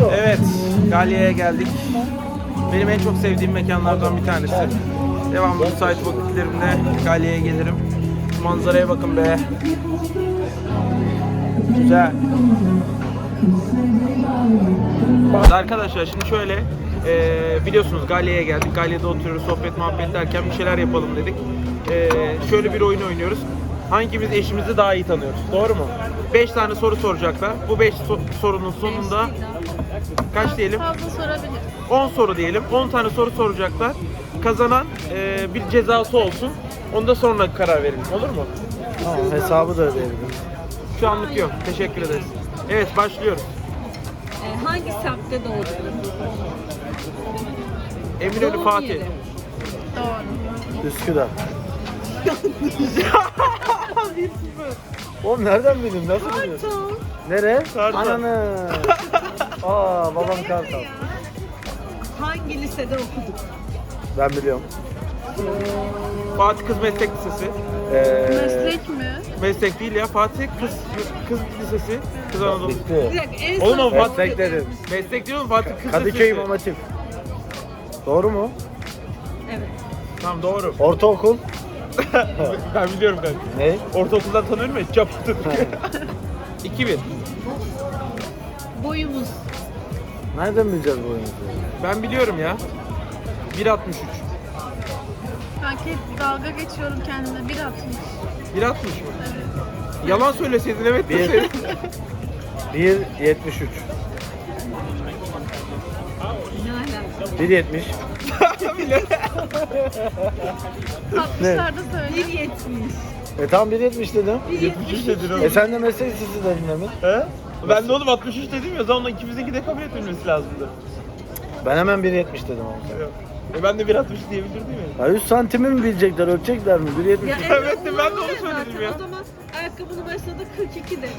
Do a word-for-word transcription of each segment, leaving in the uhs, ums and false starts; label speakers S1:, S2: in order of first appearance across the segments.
S1: Evet, Galya'ya geldik. Benim en çok sevdiğim mekanlardan bir tanesi. Devamlı müsait vakitlerimde Galya'ya gelirim. Şu manzaraya bakın be. Güzel. Arkadaşlar şimdi şöyle, e, biliyorsunuz Galya'ya geldik. Galya'da oturuyoruz, sohbet muhabbet derken bir şeyler yapalım dedik. E, şöyle bir oyun oynuyoruz. Hangimiz eşimizi daha iyi tanıyoruz? Doğru mu? beş tane soru soracaklar. Bu beş so- sorunun sonunda kaç diyelim?
S2: Fazla sorabilir.
S1: on soru diyelim. on tane soru soracaklar. Kazanan e, bir cezası olsun. Onu da sonra karar verelim. Olur mu?
S3: Tamam, hesabı da ödeyebilirim.
S1: Şu anlık yok. Teşekkür ederiz. Evet, başlıyoruz.
S2: Ee, hangi semtte doğdun?
S1: Eminönü
S2: Doğum
S1: Fatih.
S2: yeri. Doğru.
S3: Üsküdar. Oğlum nereden bildin? Nasıl biliyorsun?
S2: Kartal.
S3: Nere?
S1: Kartal.
S3: Ananı. Aa, babam Kartal.
S2: Hangi lisede okuduk?
S3: Ben biliyorum.
S1: Fatih Kız Meslek Lisesi.
S3: Ee,
S2: Meslek mi?
S1: Meslek değil ya. Fatih Kız Kız Lisesi. Kız Anadolu.
S2: Bir
S3: bitti.
S2: dakika, en
S1: Oğlum
S2: son
S1: o Fatih-
S3: Meslek dedim.
S1: Meslek değil mi? Fatih Kız
S3: Kadıköy
S1: Lisesi.
S3: İmam Hatip. Doğru mu?
S2: Evet.
S1: Tamam, doğru.
S3: Ortaokul.
S1: Ben biliyorum ben.
S3: Ne?
S1: Ortaokuldan tanıyorum ya. Çapıttın. iki bin.
S2: Boyumuz.
S3: Nereden bileceğiz bu oyunu?
S1: Ben biliyorum ya. bir altmış üç.
S2: Kanka hep dalga geçiyorum kendime. bir altmış.
S1: bir altmış mı? Yalan söyleseydin evet
S3: Bir.
S1: deseydin.
S3: bir yetmiş üç.
S2: Ne alaka?
S3: bir yetmiş.
S2: altmışlarda söyle. bir yetmiş.
S3: E tam bir yetmiş dedim.
S2: bir yetmiş.
S1: dedin
S3: E sen de meslek lisesi dedin demin.
S1: He? Ben de oğlum altmış üç dedim ya. O zaman ikimizinki de kabul etmemiz lazımdı.
S3: Ben hemen bir yetmiş dedim ama.
S1: Yok. E ben de bir altmış diyebilirdim ya.
S3: Ya yüz santimi mi bilecekler, ölçecekler mi? bir yetmiş.
S2: Ya
S1: Evet de ben de
S2: olmaz
S1: onu
S2: ya
S1: söyledim
S2: zaten.
S1: ya.
S2: O zaman ayakkabının başında da kırk iki de.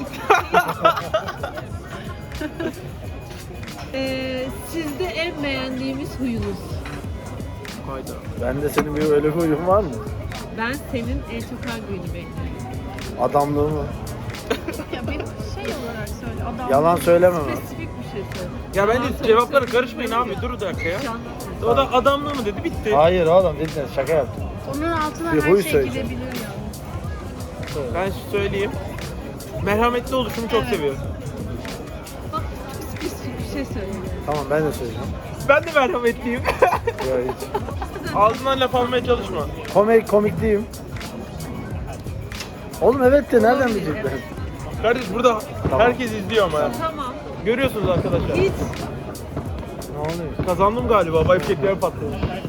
S2: ee, sizde en beğendiğimiz huyunuz?
S1: Hayda.
S3: Ben de senin bir öyle huyun var mı?
S2: Ben senin en çok hangi huyunu beğeniyorum?
S3: Adamlığı mı?
S2: Ya benim şey olarak söyle. Adam
S3: Yalan söylemem abi.
S2: Spesifik bir şey söyle.
S1: Ya
S2: Yalan
S1: bence
S2: söyle-
S1: cevaplara karışmayın abi. Dur bir dakika ya.
S2: Hiç anlatmıyorum.
S1: O da adamlığı mı dedi, bitti.
S3: Hayır oğlum dedin, şaka yaptım.
S2: Onun altına
S3: Bir
S2: her
S3: huy
S2: şey
S3: söyle.
S2: girebilir yani.
S1: Ben söyleyeyim. Merhametli oluşumu çok
S2: Evet.
S1: seviyorum.
S2: Bak çok spesifik bir şey söyle.
S3: Tamam ben de söyleyeceğim.
S1: Ben de merhametliyim.
S3: Ya hiç.
S1: Ağzından laf almaya çalışma.
S3: Komik, komikliyim. Oğlum evet de nereden
S2: Olabilir,
S3: bilecekler?
S2: evet.
S1: Kardeş burada
S3: Tamam.
S1: herkes izliyor ama ya.
S2: Tamam.
S1: Görüyorsunuz arkadaşlar.
S2: Hiç.
S3: Ne oluyor?
S1: Kazandım galiba. Bayfekler patladı.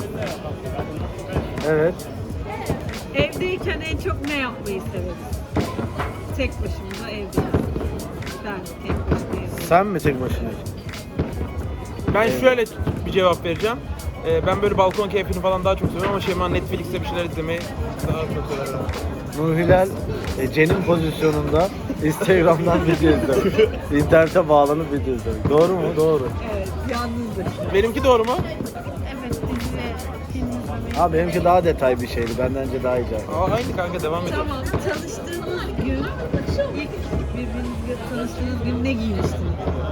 S3: Evet.
S2: Evdeyken en çok ne yapmayı severiz? Tek başımıza evde yani. Ben tek başıma evde.
S3: Sen mi tek başına?
S1: Ben şöyle bir cevap vereceğim. Ee, ben böyle balkon keyfini falan daha çok seviyorum ama Şeyma Netflix'te bir şeyler izlemeyi daha çok sever.
S3: Nur Hilal e, Cen'in pozisyonunda Instagram'dan video izlemek. İnternete bağlanıp video izlemek. Doğru mu? Doğru.
S2: Evet, yalnızdır.
S1: Benimki doğru mu?
S2: Evet, dizi, film izlemeyi.
S3: Abi benimki daha detay bir şeydi. Benden önce daha iyi cevap.
S1: Aa, aynı kanka, devam edelim.
S2: Tamam, tanıştığınız gün, ilk birbirinizle tanıştığınız gün ne giymiştiniz?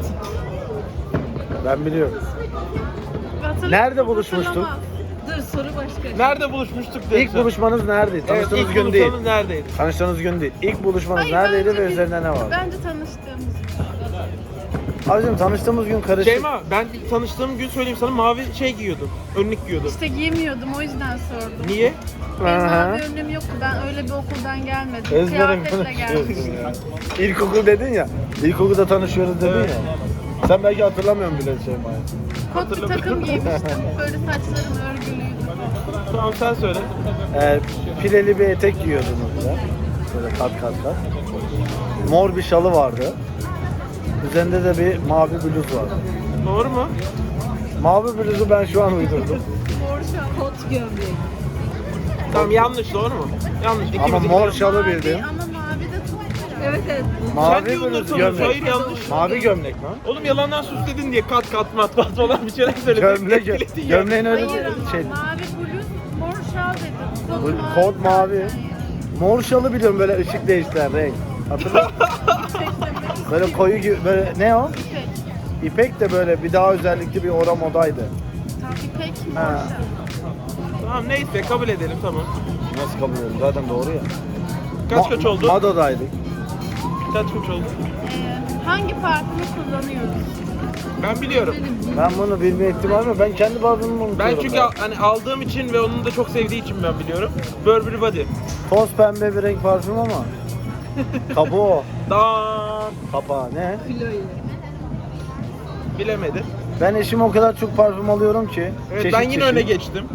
S3: Ben biliyorum.
S2: Hatırla-
S3: Nerede buluşmuştuk?
S2: hatırlamam. Dur, soru başka.
S1: Nerede buluşmuştuk dedi.
S3: İlk buluşmanız neredeydi?
S1: Evet,
S3: Tanıştığınız
S1: ilk
S3: gün değil.
S1: buluşmamız neredeydi?
S3: Tanıştığınız gün değil. İlk buluşmanız
S2: Hayır,
S3: neredeydi
S2: bence
S3: ve
S2: biz-
S3: üzerinde ne vardı?
S2: Bence tanıştığımız gün.
S3: Abicim tanıştığımız gün karışık.
S1: Şeyma, ben tanıştığım gün söyleyeyim sana, mavi şey giyiyordum. Önlük giyiyordum.
S2: İşte giyemiyordum, o yüzden sordum.
S1: Niye?
S2: Benim
S3: Aha.
S2: mavi önlüğüm yoktu, ben öyle bir okuldan gelmedim.
S3: Ezberim
S2: Kıyafetle geldim.
S3: konuşuyorsun ya. İlkokul dedin ya. İlkokulda tanışıyoruz dedin
S1: Evet.
S3: ya. Sen belki hatırlamıyorsun bile Şeyma'yı.
S2: Kot bir takım giymiştim, böyle saçlarım örgülüydü.
S1: Tamam, sen söyle.
S3: Ee, pileli bir etek giyiyordun orada. Böyle kat kat kat. Mor bir şalı vardı. Üzerinde de bir mavi bluz vardı.
S1: Doğru mu?
S3: Mavi bluzu ben şu an uydurdum.
S2: Mor şal, kot gömlek.
S1: Tamam, yanlış, doğru mu? Yanlış.
S3: Ama
S1: İkimiz
S3: mor
S1: ikimiz.
S3: şalı
S2: Mavi,
S3: bildim.
S2: ama mavi de çok. Evet evet.
S1: Sen
S3: Mavi
S1: niye
S3: bluz
S1: unutuyorsun?
S3: gömlek.
S1: Hayır, yanlış.
S3: Mavi gömlek lan.
S1: Oğlum yalandan süsledin diye kat kat mat mat falan bir şeyler söyledin.
S3: Gömlek,
S1: Etkiledin ya.
S3: gömleğin öyle
S2: Hayır ama
S3: şey.
S2: mavi bluz, mor şal dedim. Kot
S3: Bu-
S2: mavi.
S3: Kot mavi. Mor şalı biliyorum, böyle ışık değiştiren renk. Hatırlıyor musun? Böyle koyu gibi, böyle ne o?
S2: İpek.
S3: İpek de böyle bir daha özellikli bir ora modaydı.
S4: Tam İpek
S3: Ha.
S4: Morşa.
S1: Tamam neyse kabul edelim tamam.
S3: Nasıl kabul ediyorum? Zaten doğru ya.
S1: Kaç
S3: Ma-
S1: kaç oldu?
S3: Mado'daydık.
S1: Kaç kaç oldu?
S4: Ee, hangi parfümü kullanıyoruz?
S1: Ben biliyorum.
S3: Ben bunu bilme ihtimali mi? Ben kendi parfümümü unutuyorum.
S1: Ben çünkü al- hani aldığım için ve onun da çok sevdiği için ben biliyorum. Burberry Body.
S3: Toz pembe bir renk parfüm ama. Kabuğu o.
S1: Dan
S3: Kapağı ne?
S2: Kilo ile.
S1: bilemedi.
S3: Ben eşime o kadar çok parfüm alıyorum ki.
S1: Evet
S3: çeşit
S1: ben yine
S3: çeşit.
S1: öne geçtim.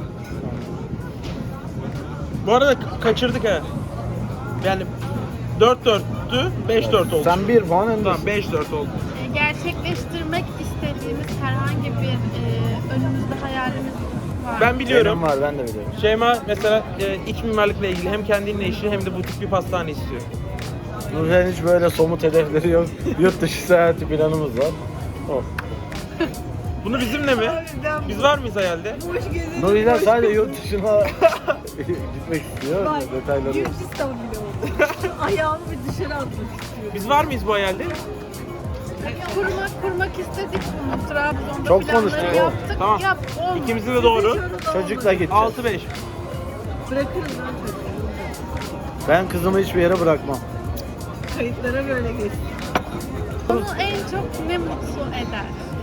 S1: Bu arada ka- kaçırdık ha. Yani dört dörttü, beş dört oldu.
S3: Sen bir puan öndesin.
S1: Tamam beş dört oldu.
S4: Ee, gerçekleştirmek istediğimiz herhangi bir e, önümüzde hayalimiz var.
S1: Ben biliyorum.
S3: Benim var, ben de biliyorum.
S1: Şeyma mesela e, iç mimarlıkla ilgili hem kendinle işi hem de butik bir pastane istiyor.
S3: Nurten hiç böyle somut hedefleri yok. Yurt dışı seyahati planımız var. Oh.
S1: Bunu bizimle mi? Biz var mıyız hayalde?
S2: Boş gezelim.
S3: Nuri'den sadece yurt dışına gitmek istiyor.
S2: Bak,
S3: Detayları yok.
S2: Gürcistan bile oldu. Ayağımı bir dışarı atmak istiyorum.
S1: Biz var mıyız bu hayalde?
S4: Kurmak kurmak istedik bunu. Trabzon'da
S3: Çok
S4: planları
S3: konuştuk, o.
S4: yaptık.
S1: Tamam.
S4: Yap, olmadı.
S1: İkimizin de doğru.
S3: Çocukla gideceğiz.
S1: altı beş.
S2: Bırakırım lan çocuğu.
S3: Ben kızımı hiçbir yere bırakmam.
S2: Kayıtlara böyle geçsin.
S4: Onu en çok ne mutlu eder?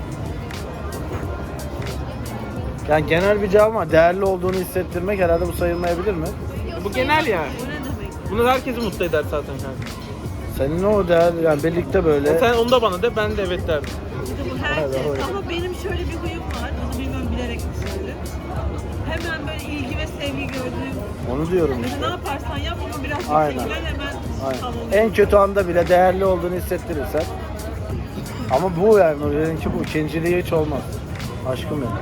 S3: Yani genel bir cevap ama değerli olduğunu hissettirmek herhalde bu sayılmayabilir mi?
S1: Bu genel yani.
S2: O ne demek?
S1: Bunu herkesi mutlu eder zaten kanka.
S3: Senin o değer yani birlikte böyle.
S1: Sen onu da bana de ben de evet derdim.
S2: İşte bu herkes. Ama benim şöyle bir huyum var. Onu bilmiyorum bilerek mi söyledim. Hemen böyle ilgi ve sevgi gördüğüm.
S3: Onu diyorum
S2: Mesela
S3: işte.
S2: ne yaparsan yap ama biraz
S3: Aynen.
S2: ilgilen hemen
S3: Aynen.
S2: tamam.
S3: En kötü anda bile değerli olduğunu hissettirirsen. Ama bu yani Nuri'ninki bu. İkinciliği hiç olmaz. Aşkım benim.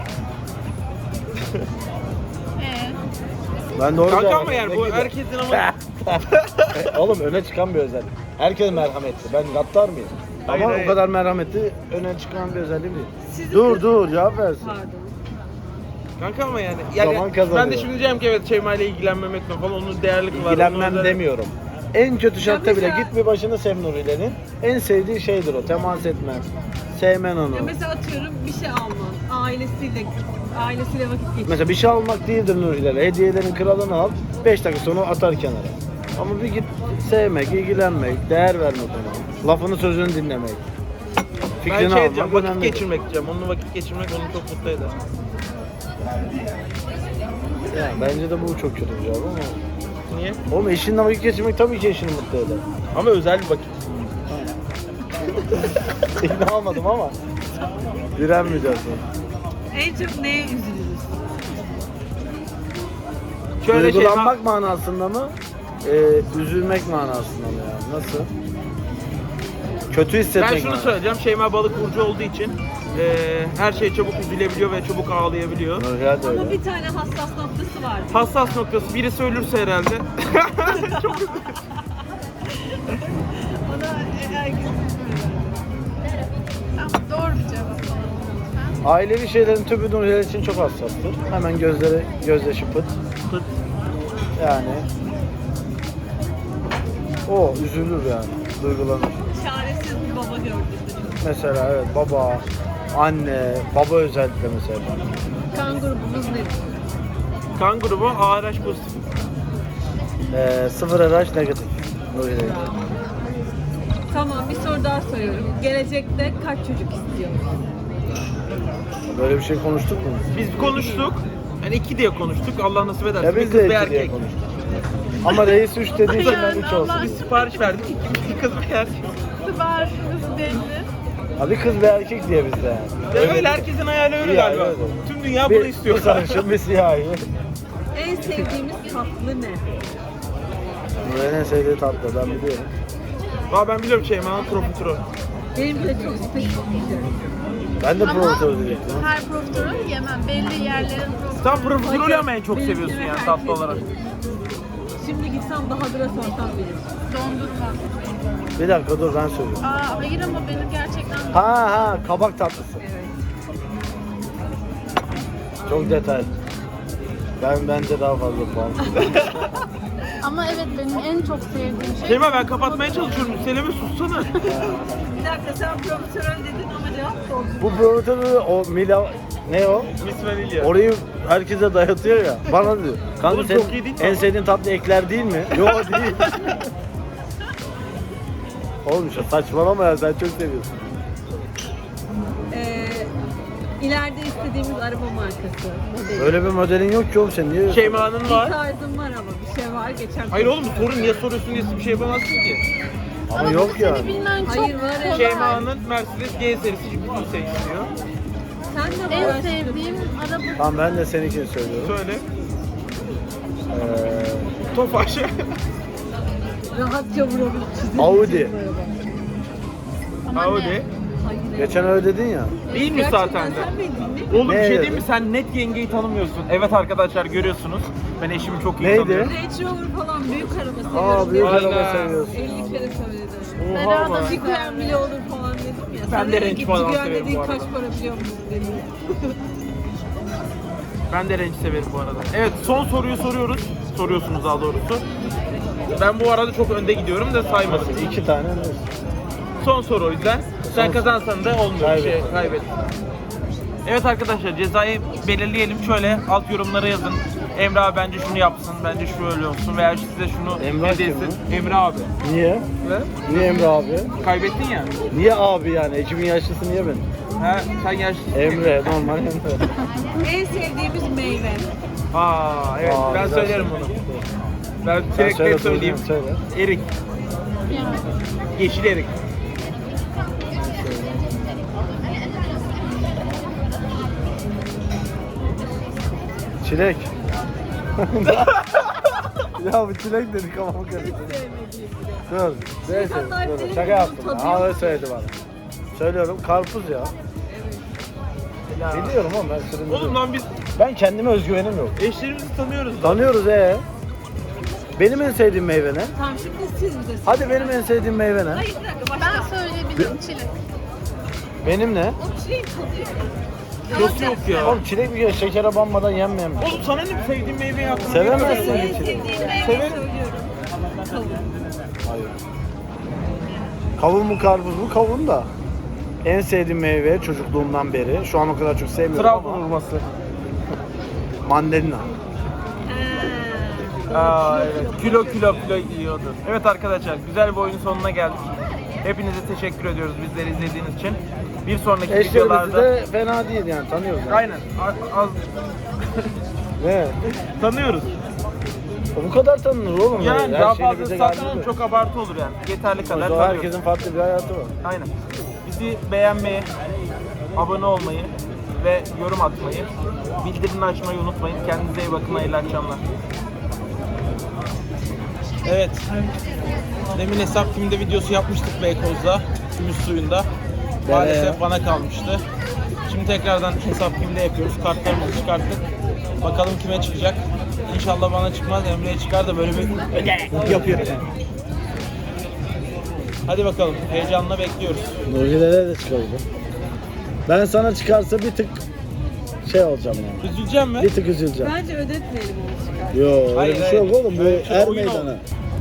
S4: Ee,
S3: Ben doğru
S1: Kanka
S3: cevap
S1: ama yani
S3: verdim.
S1: bu
S3: Ne gibi?
S1: herkesin ama
S3: Oğlum öne çıkan bir özellik. Herkes merhametli. Ben gaddar mıyım?
S1: Hayır,
S3: Ama
S1: hayır.
S3: o kadar merhametli öne çıkan bir özelliğim değil.
S2: Sizin
S3: Dur
S2: kız-
S3: dur cevap versin.
S2: Pardon.
S1: kanka ama yani, yani
S3: Zaman kazanıyor.
S1: ben de şimdi diyeceğim ki evet Şeyma ile ilgilenmemek mi falan onun değerli kılar.
S3: İlgilenmem
S1: onun
S3: demiyorum. En kötü şartta
S2: Ya
S3: bile
S2: mesela-
S3: git bir başını sev Nuri'lerin. En sevdiği şeydir o. Temas etmen. Sevmen onu.
S2: Ya mesela atıyorum bir şey alman. Ailesiyle ailesiyle vakit geçirmek.
S3: Mesela bir şey almak değildir Nuri'lere. Hediyelerin kralını al. beş dakika sonra atar kenara. Ama bir git sevmek, ilgilenmek, değer vermek ona. Lafını sözünü dinlemek.
S1: Ben
S3: Fikrini
S1: şey
S3: almak
S1: diyeceğim vakit
S3: önemlidir.
S1: geçirmek diyeceğim. Onunla vakit geçirmek onu çok mutlu eder.
S3: Ya, bence de bu çok kötü bir cevap ama.
S1: Niye?
S3: Oğlum eşinle vakit geçirmek tabii ki eşini mutlu eder.
S1: Ama özel bir vakit.
S3: İkna olmadım ama. Direnmeyeceğiz.
S2: En çok neye üzülürüz?
S1: Şöyle şey
S3: Duygulanmak manasında mı? Ee, üzülmek manasında mı yani? Nasıl? Kötü hissetmek
S1: ben şunu
S3: manasında.
S1: söyleyeceğim. Şeyma balık burcu olduğu için e, her şey çabuk üzülebiliyor ve çabuk ağlayabiliyor.
S3: Nurhal de
S2: Ama
S3: öyle.
S2: bir tane hassas noktası var.
S1: Hassas noktası birisi ölürse herhalde.
S2: Ona herkes
S4: tamam, doğru bir cevap.
S3: Ailevi şeylerin tümü Nurhal için çok hassastır. Hemen gözleri, gözyaşı pıt.
S1: Pıt.
S3: Yani o üzülür yani, duygulanır.
S2: çaresiz bir baba gördüğümde.
S3: Mesela evet baba, anne, baba özellikle mesela.
S2: Kan grubumuz nedir?
S1: Kan grubu A R H pozitif.
S3: Ee, sıfır R H negatif. Nuri'yle.
S2: Tamam bir soru daha soruyorum. Gelecekte kaç çocuk istiyor?
S3: Böyle bir şey konuştuk mu?
S1: Biz konuştuk. Yani iki diye konuştuk. Allah nasip ederse.
S3: Ya
S1: bir
S3: biz
S1: kız
S3: de
S1: bir
S3: iki diye
S1: erkek.
S3: konuştuk. Ama reis üç dediyse ben üç olsun.
S1: Biz sipariş verdik. İki kız bir erkek.
S4: Siparişimiz belli.
S3: Abi kız ve erkek diye bizde yani.
S1: Öyle, öyle herkesin hayali öyle
S3: İyi,
S1: galiba.
S3: öyle.
S1: Tüm dünya
S3: Bir,
S1: bunu istiyor.
S3: bir sarışın, bir siyahi.
S2: En sevdiğimiz tatlı ne?
S3: Nuri'nin en sevdiği tatlı ben biliyorum.
S1: Aa ben biliyorum Şeyma'nın profiterol.
S2: Benim de çok spesifik bir şey.
S3: Ben de
S4: Ama
S3: profiterol diyecektim.
S4: her profiterol yemem. Belli yerlerin profiterolü.
S1: Sen profiterol ama en çok
S2: Benimkine
S1: seviyorsun yani
S2: herkes
S1: tatlı olarak.
S2: bilir. Şimdi gitsem Bahadır'a sorsam bilir.
S4: Dondurma.
S3: Bir dakika dur ben söyleyeyim.
S4: Aa, hayır ama benim gerçekten
S3: Ha ha kabak tatlısı.
S2: Evet.
S3: Çok detay. Ben bence daha fazla puan.
S4: Ama evet benim en çok sevdiğim şey...
S1: Şeyma ben kapatmaya çalışıyorum. Seleme sussana.
S2: Bir dakika sen profiterol dedin ama cevap da oldu.
S3: Bu profiterol o Mila ne o?
S1: Miss Vanilya.
S3: Orayı herkese dayatıyor ya. Bana diyor. Kanka
S1: Oğlum
S3: senin
S1: çok iyi değil mi
S3: en
S1: ama?
S3: sevdiğin tatlı ekler değil mi? Yok değil. Oğlum şu saçmalama ya sen çok seviyorsun.
S2: Ee, ileride istediğimiz araba markası. Modeli.
S3: Öyle bir modelin yok ki oğlum sen niye?
S1: Şeyma'nın
S2: Bir
S1: var.
S2: tarzım var ama bir şey var geçen.
S1: Hayır oğlum sorun niye soruyorsun diye bir şey yapamazsın ki.
S3: Ama yok
S4: Seni
S3: yani.
S4: bilmen çok
S2: Hayır, var ya.
S4: kolay.
S1: Şeyma'nın Mercedes G serisi bütün şey istiyor.
S2: Sen de
S4: En
S2: var.
S4: sevdiğim araba...
S3: Tamam ben de seninkini söylüyorum.
S1: Söyle.
S3: Ee,
S1: Tofaş.
S2: Rahatça vurabilir.
S3: Audi.
S4: Ama
S1: Audi.
S4: ne?
S2: Hayır.
S3: Geçen öyle dedin ya.
S1: Değil mi
S2: Gerçekten
S1: zaten de?
S2: sen bildin mi?
S1: Oğlum bir
S3: Ne
S1: şey
S3: dedi?
S1: değil mi? Sen net yengeyi tanımıyorsun. Evet arkadaşlar görüyorsunuz. Ben eşimi çok iyi
S3: Neydi?
S1: tanıyorum.
S2: Range Rover falan büyük araba seviyorum.
S3: Aa büyük
S2: dedim.
S1: Aynen.
S3: araba seviyorsun.
S2: elli kere söyledim.
S1: Oha
S4: Beraber
S1: bak.
S2: Ciguan bile olur falan dedim ya.
S1: Ben
S2: Sen
S1: de
S2: dedin
S1: Range
S2: ki,
S1: falan
S2: Ciguan
S1: severim
S2: dediğin
S1: bu arada.
S2: kaç para biliyor musun dedim.
S1: Ben de renk severim bu arada. Evet son soruyu soruyoruz. Soruyorsunuz daha doğrusu. Ben bu arada çok önde gidiyorum da saymasın.
S3: İki tane mi?
S1: Son soru o yüzden. Sen
S3: Son-
S1: kazansan da olmuyor.
S3: Kaybet.
S1: Şey, kaybet. Evet arkadaşlar cezayı belirleyelim. Şöyle alt yorumlara yazın. Emre abi bence şunu yapsın, bence şu öyle olsun veya size şunu
S3: Emre
S1: hediye
S3: kim
S1: etsin. Emre abi.
S3: Niye?
S1: Ve
S3: Niye Emre abi?
S1: kaybettin ya.
S3: Niye abi yani? Ekibin yaşlısı niye ben?
S1: Ha, sen yaşlısın.
S3: Emre, normal Emre.
S2: En sevdiğimiz meyve.
S1: Aa evet
S3: Aa,
S1: ben
S3: güzel
S1: söylerim
S3: şey.
S1: bunu. Ben
S3: Sen
S1: direkt
S3: söyle,
S1: net söyleyeyim.
S3: söyle.
S1: Erik.
S4: Yani.
S1: Yeşil erik.
S3: Çilek. Ya bu çilek dedik ama bu kadar.
S2: Sevmediğim bile.
S3: Dur. Neyse,
S2: Şeytan
S3: dur.
S2: tarifleri
S3: Şaka yaptım.
S2: bunun tadı
S3: Ha öyle
S2: yok.
S3: söyledi bana. Söylüyorum karpuz ya. Biliyorum ama ben
S1: Oğlum
S3: süründürüyorum.
S1: lan biz
S3: Ben kendime özgüvenim yok.
S1: eşlerimizi tanıyoruz. lan.
S3: Tanıyoruz ee. Benim en sevdiğim meyve ne?
S2: Tamam şimdi siz de.
S3: Hadi benim en sevdiğim meyve ne?
S2: Hayır bir dakika başla.
S4: Ben söyleyebilirim çilek.
S3: Benim ne?
S2: O çileğin tadı yok.
S1: Yok yok ya.
S3: Oğlum çilek bir kere şekere banmadan yenmeyen bir şey.
S1: Oğlum sana ne bir sevdiğin meyveyi yaptın?
S3: Sevemezsin
S2: En
S3: ki çileği.
S2: sevdiğim meyve
S1: Severim.
S2: söylüyorum. Kavun.
S3: Hayır. Kavun mu karpuz mu? Kavun da. En sevdiğim meyve çocukluğumdan beri. Şu an o kadar çok sevmiyorum
S1: Trabzon
S3: ama.
S1: hurması.
S3: Mandalina.
S2: Ha.
S1: Aa evet. Kilo kilo kilo yiyordu. Evet arkadaşlar güzel bir oyunun sonuna geldik. Hepinize teşekkür ediyoruz bizleri izlediğiniz için. Bir sonraki
S3: Eşlerimiz
S1: videolarda
S3: de fena değil yani tanıyoruz. Yani.
S1: aynen a- az
S3: Ne?
S1: tanıyoruz.
S3: Bu kadar tanınır oğlum.
S1: Yani
S3: Her
S1: daha
S3: şeyle
S1: fazla
S3: bize
S1: zaten
S3: geldi de.
S1: çok abartı olur yani. Yeterli kadar
S3: O zaman
S1: tanıyoruz.
S3: herkesin farklı bir hayatı var.
S1: Aynen. Bizi beğenmeyi, abone olmayı ve yorum atmayı, bildirimini açmayı unutmayın. Kendinize iyi bakın. Hayırlı akşamlar. Evet. Demin hesap kimde videosu yapmıştık Beykoz'da. Gümüş suyunda. Maalesef bana kalmıştı. Şimdi tekrardan hesap kimde yapıyoruz. Kartlarımızı çıkarttık. Bakalım kime çıkacak. İnşallah bana çıkmaz. Emre'ye çıkar da böyle bir öde yapıyor. Hadi bakalım. Heyecanla bekliyoruz.
S3: Nurgülere de çıkabilir. Ben sana çıkarsa bir tık şey olacağım yani.
S1: Üzüleceğim mi?
S3: Bir tık üzüleceğim.
S2: Bence ödetmeyelim onu çıkar.
S3: Yo öyle
S1: Hayır,
S3: bir şey
S1: hayır.
S3: yok oğlum. Bu
S1: Öyle bir şey,
S3: er
S1: oyun
S3: meydanı.
S1: oldu.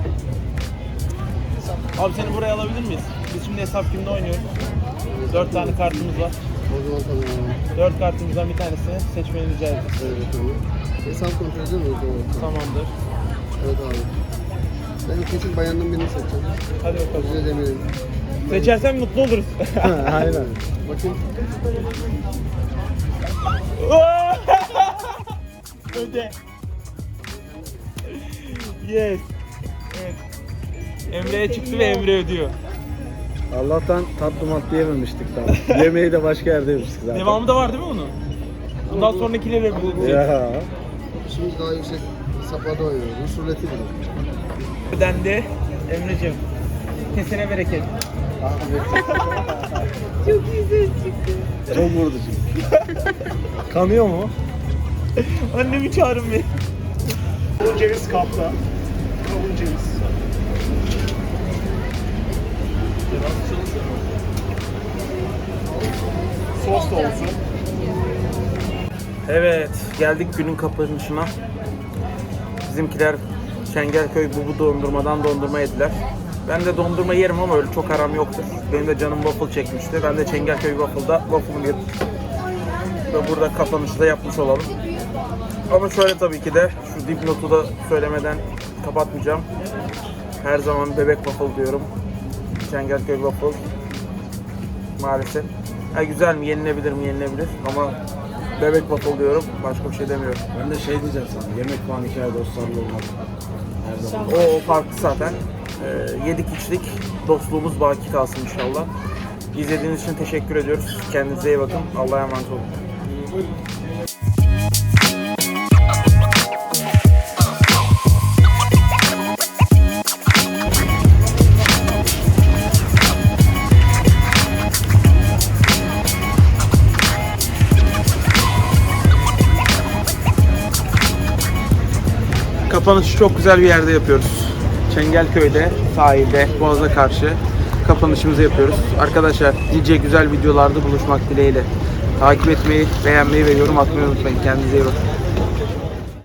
S1: Abi seni buraya alabilir miyiz? Biz şimdi hesap kimde oynuyoruz? Dört tane kartımız var.
S5: O zaman tamam.
S1: Dört kartımızdan bir tanesini seçmeni rica ederiz.
S5: Evet tamam. Hesap kontrolü değil mi? Tamam.
S1: Tamamdır.
S5: Evet abi. Ben kesin bayandan birini seçeceğim.
S1: Hadi bakalım.
S5: Özür dilerim.
S1: Seçersen mutlu oluruz.
S3: Aynen.
S5: Bakayım.
S1: Öde. Yes. Evet. Emre'ye çıktı ve Emre ödüyor.
S3: Allah'tan tatlı matlı yememiştik tam. Yemeği de başka yerde yemiştik zaten.
S1: Devamı da var değil mi onun? Bundan sonrakileri de bulacağız.
S3: Ya.
S5: Şimdi daha yüksek hesaplarda oynuyoruz. Rus ruleti gibi.
S1: Ödendi. Emre'cim. Kesene bereket.
S2: Çok güzel çıktı.
S3: Çok vurdu şimdi. Kanıyor mu?
S1: Annemi çağırın bir.
S6: Kavun ceviz kapta. Kavun ceviz. Sos da olsun.
S1: Evet, geldik günün kapanışına. Bizimkiler Çengelköy Bubu dondurmadan dondurma yediler. Ben de dondurma yerim ama öyle çok aram yoktur. Benim de canım waffle çekmişti. Ben de Çengelköy Waffle'da waffle'ımı yedim. Ve burada kapanışı da yapmış olalım. Ama şöyle tabii ki de şu dipnotu da söylemeden kapatmayacağım. Her zaman bebek waffle diyorum. Çengelköy Waffle. Maalesef. Ha, güzel mi? Yenilebilir mi? Yenilebilir. Ama bebek waffle diyorum. Başka bir şey demiyorum.
S3: Ben de şey diyeceğim sana, yemek falan hikaye dostlarla olmaz. Her zaman.
S1: O, o farklı zaten. Ee, yedik içtik. Dostluğumuz baki kalsın inşallah. İzlediğiniz için teşekkür ediyoruz. Kendinize iyi bakın. Allah'a emanet olun. Kapanışı çok güzel bir yerde yapıyoruz. Çengelköy'de, sahilde, Boğaz'a karşı kapanışımızı yapıyoruz. Arkadaşlar nice güzel videolarda buluşmak dileğiyle. Takip etmeyi, beğenmeyi ve yorum atmayı unutmayın. Kendinize iyi bakın.